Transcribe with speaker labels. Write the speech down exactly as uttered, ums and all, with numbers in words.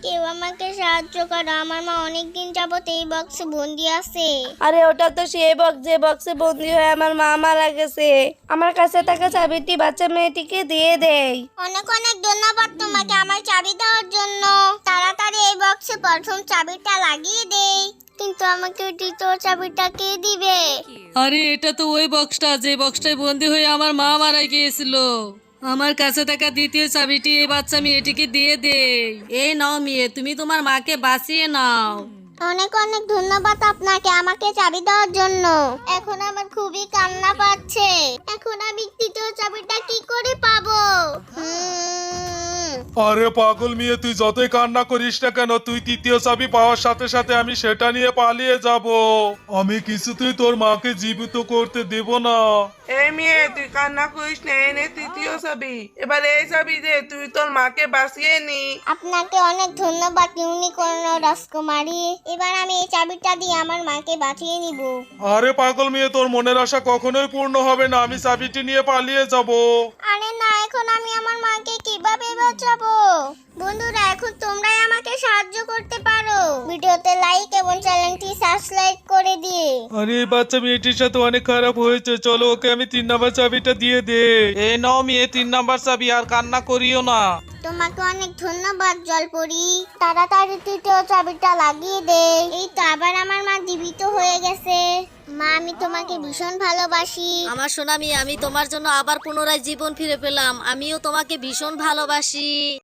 Speaker 1: কেউ আমাকে সাহায্য করো, আমার মা অনেকদিন যাবত এই বক্সে বন্দি আছে।
Speaker 2: আরে ওটা তো সেই বক্স যে বক্সে বন্দি হয়ে আমার মা মারা গেছে। আমার কাছে থাকা চাবিটি বাচ্চা মেয়েটিকে দিয়ে দেই।
Speaker 1: অনেক অনেক ধন্যবাদ তোমাকে আমার চাবি দেওয়ার জন্য। তাড়াতাড়ি এই বক্সে প্রথম চাবিটা লাগিয়ে দেই। কিন্তু আমাকে দ্বিতীয় চাবিটা কে দিবে?
Speaker 3: আরে এটা তো ওই বক্সটা যে বক্সটায় বন্দি হয়ে আমার মা মারা গিয়েছিল। আমার কাছে থাকা দ্বিতীয় চাবিটি এই বাচ্চা মেয়েটিকে দিয়ে দে। এই নাও মেয়ে, তুমি তোমার মাকে বাঁচিয়ে নাও।
Speaker 1: অনেক অনেক ধন্যবাদ আপনাকে আমাকে চাবি দেওয়ার জন্য। এখন আমার খুবই কান্না পাচ্ছে। এখন আমি তৃতীয় চাবিটা কি করে পাবো? হুম,
Speaker 4: আরে পাগল মেয়ে, তুই যতই কান্না করিস না কেন, তুই তৃতীয় চাবি পাওয়ার সাথে সাথে আমি সেটা নিয়ে পালিয়ে যাব। আমি কিছুতেই তোর মাকে জীবিত করতে দেব না।
Speaker 5: এই মেয়ে, তুই কান্না করিস না, এনে তৃতীয় চাবি। এবার এই চাবি দে, তুই তোর মাকে বাঁচিয়ে নি।
Speaker 1: আপনাকে অনেক ধন্যবাদ ইউনিকর্ন রাজকুমারী। এবার আমি এই চাবিটা দিয়ে আমার মাকে বাঁচিয়ে নিব।
Speaker 4: আরে পাগল মেয়ে, তোর মনের আশা কখনোই পূর্ণ হবে না। আমি চাবিটি নিয়ে পালিয়ে যাব।
Speaker 1: আরে না, এখন আমি আমার মাকে কিভাবে বাঁচাবো? বন্ধুরা, এখন তোমরাই আমাকে সাহায্য করতে পারো। ভিডিওতে লাইক এবং চ্যানেলটি সাবস্ক্রাইব করে দিয়ে।
Speaker 4: আরে এই বাচ্চা মেয়েটির সাথে অনেক খারাপ হয়েছে, চলো ওকে আমি তিন নাম্বার চাবিটা দিয়ে দে। এ নাও মেয়ে, তিন নাম্বার চাবি, আর কান্না করিও না।
Speaker 1: তোমাকে অনেক ধন্যবাদ জলপরি। তাড়াতাড়ি তৃতীয় চাবিটা লাগিয়ে দে। এই তো আবার আমার মা জীবিত হয়ে গেছে। মা, আমি তোমাকে ভীষণ ভালোবাসি।
Speaker 3: আমার সোনা মেয়ে, আমি তোমার জন্য আবার পুনরায় জীবন ফিরে পেলাম। আমিও তোমাকে ভীষণ ভালোবাসি।